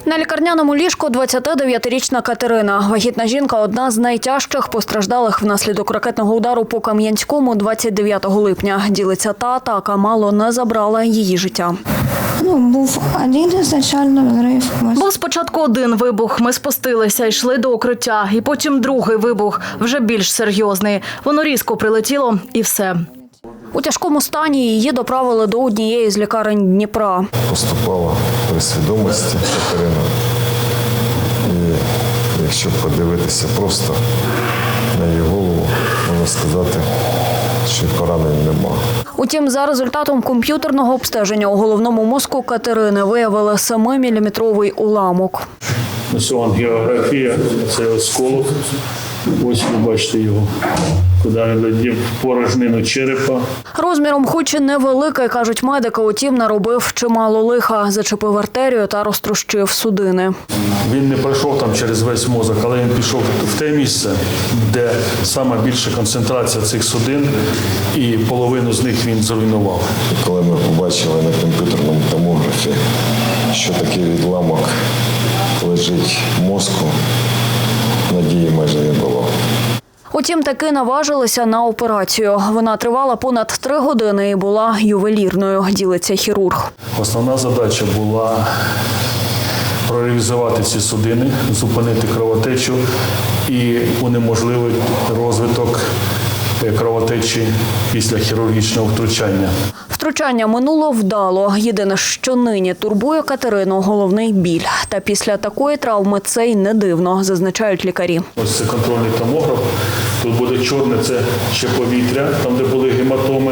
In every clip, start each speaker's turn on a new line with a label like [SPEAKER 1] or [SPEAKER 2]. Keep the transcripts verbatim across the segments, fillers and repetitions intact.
[SPEAKER 1] На лікарняному ліжку двадцятидев'ятирічна Катерина. Вагітна жінка – одна з найтяжчих постраждалих внаслідок ракетного удару по Кам'янському двадцять дев'ятого липня. Ділиться, та атака мало не забрала її життя.
[SPEAKER 2] Ну, був один ізначально взрив.
[SPEAKER 3] Був спочатку один вибух, ми спустилися, йшли до укриття. І потім другий вибух, вже більш серйозний. Воно різко прилетіло і все.
[SPEAKER 1] У тяжкому стані її доправили до однієї з лікарень Дніпра.
[SPEAKER 4] Поступала при свідомості Катерина. І якщо подивитися просто на її голову, можна сказати, що поранень нема.
[SPEAKER 1] Утім, за результатом комп'ютерного обстеження у головному мозку Катерини виявили семиміліметровий уламок.
[SPEAKER 5] Ось ангіографія, це осколок. Ось ви бачите його, куди він летів в порожнину черепа.
[SPEAKER 1] Розміром хоч і невеликий, кажуть медики, утім наробив чимало лиха, зачепив артерію та розтрощив судини.
[SPEAKER 5] Він не пройшов там через весь мозок, але він пішов в те місце, де саме більша концентрація цих судин, і половину з них він зруйнував.
[SPEAKER 4] Коли ми побачили на комп'ютерному томографі, що такий відламок лежить в мозку, надії майже не було.
[SPEAKER 1] Утім, таки наважилися на операцію. Вона тривала понад три години і була ювелірною, ділиться хірург.
[SPEAKER 5] Основна задача була проревізувати ці судини, зупинити кровотечу і унеможливити розвиток кровотечі після хірургічного втручання.
[SPEAKER 1] Втручання минуло вдало. Єдине, що нині турбує Катерину – головний біль. Та після такої травми це й не дивно, зазначають лікарі.
[SPEAKER 5] Ось це контрольний томограф. Тут буде чорне, це ще повітря, там де були гематоми.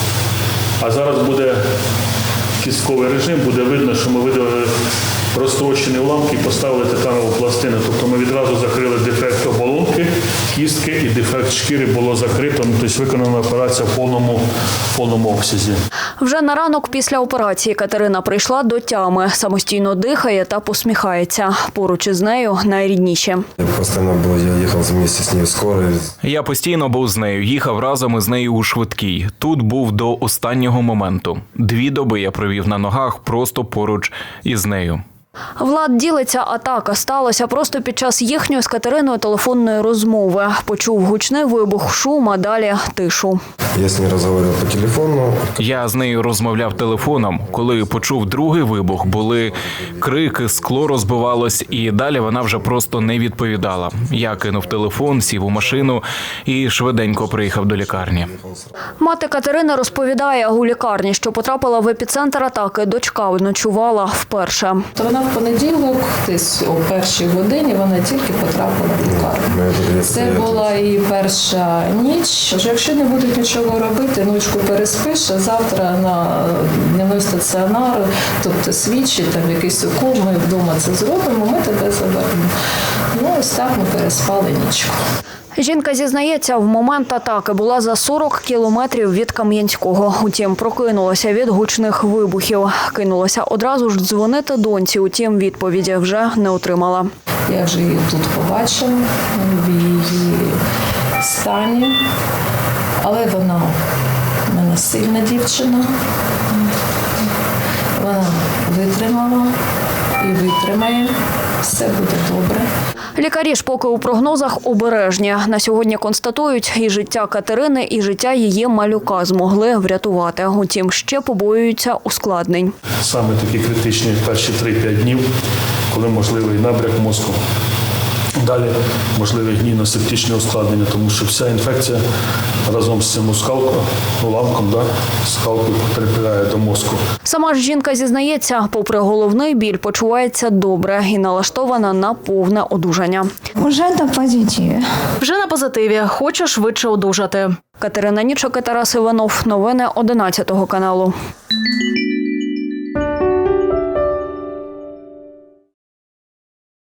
[SPEAKER 5] А зараз буде кістковий режим, буде видно, що ми видали розтрощені уламки і поставили титанову пластину. Тобто ми відразу закрили дефект оболонки, кістки і дефект шкіри було закрито. Тобто виконана операція в повному, в повному обсязі.
[SPEAKER 1] Вже на ранок після операції Катерина прийшла до тями, самостійно дихає та посміхається. Поруч із нею найрідніші.
[SPEAKER 6] Я постійно був, я їхав вместе з нею в скорій.
[SPEAKER 7] Я постійно був з нею, їхав разом із нею у швидкій. Тут був до останнього моменту. Дві доби я провів на ногах просто поруч із нею.
[SPEAKER 1] Влад ділиться, атака сталася просто під час їхньої з Катериною телефонної розмови. Почув гучний вибух, шум, а далі тишу.
[SPEAKER 6] Я з нею розмовляв по телефону.
[SPEAKER 7] Я з нею розмовляв телефоном. Коли почув другий вибух, були крики, скло розбивалось, і далі вона вже просто не відповідала. Я кинув телефон, сів у машину і швиденько приїхав до лікарні.
[SPEAKER 1] Мати Катерини розповідає, у лікарні, що потрапила в епіцентр атаки, дочка ночувала вперше.
[SPEAKER 8] То вона в понеділок, десь о першій годині, вона тільки потрапила в лікарню. Це була і перша ніч. Що якщо не будуть нічого робити, ночку переспиш, а завтра на дневний стаціонар, тобто свідчі, там якийсь укол, ми вдома це зробимо, ми тебе заберемо. Ну, ось так ми переспали нічку.
[SPEAKER 1] Жінка зізнається, в момент атаки була за сорок кілометрів від Кам'янського. Утім, прокинулася від гучних вибухів. Кинулася одразу ж дзвонити доньці, утім, відповіді вже не отримала.
[SPEAKER 8] Я вже її тут побачила, в її стані, але вона в мене сильна дівчина. Вона витримала і витримає, все буде добре.
[SPEAKER 1] Лікарі ж поки у прогнозах обережні. На сьогодні констатують, і життя Катерини, і життя її малюка змогли врятувати. Утім, ще побоюються ускладнень.
[SPEAKER 5] Саме такі критичні перші три-п'ять днів, коли можливий набряк мозку. Далі можливе гнійно-септичне ускладнення, тому що вся інфекція разом з цим оскалком, уламком, да, скалкою потрапляє до мозку.
[SPEAKER 1] Сама ж жінка зізнається, попри головний біль, почувається добре і налаштована на повне одужання.
[SPEAKER 2] Уже на позитиві.
[SPEAKER 3] Вже на позитиві, хочу швидше одужати.
[SPEAKER 1] Катерина Нічок і Тарас Іванов. Новини одинадцятого каналу.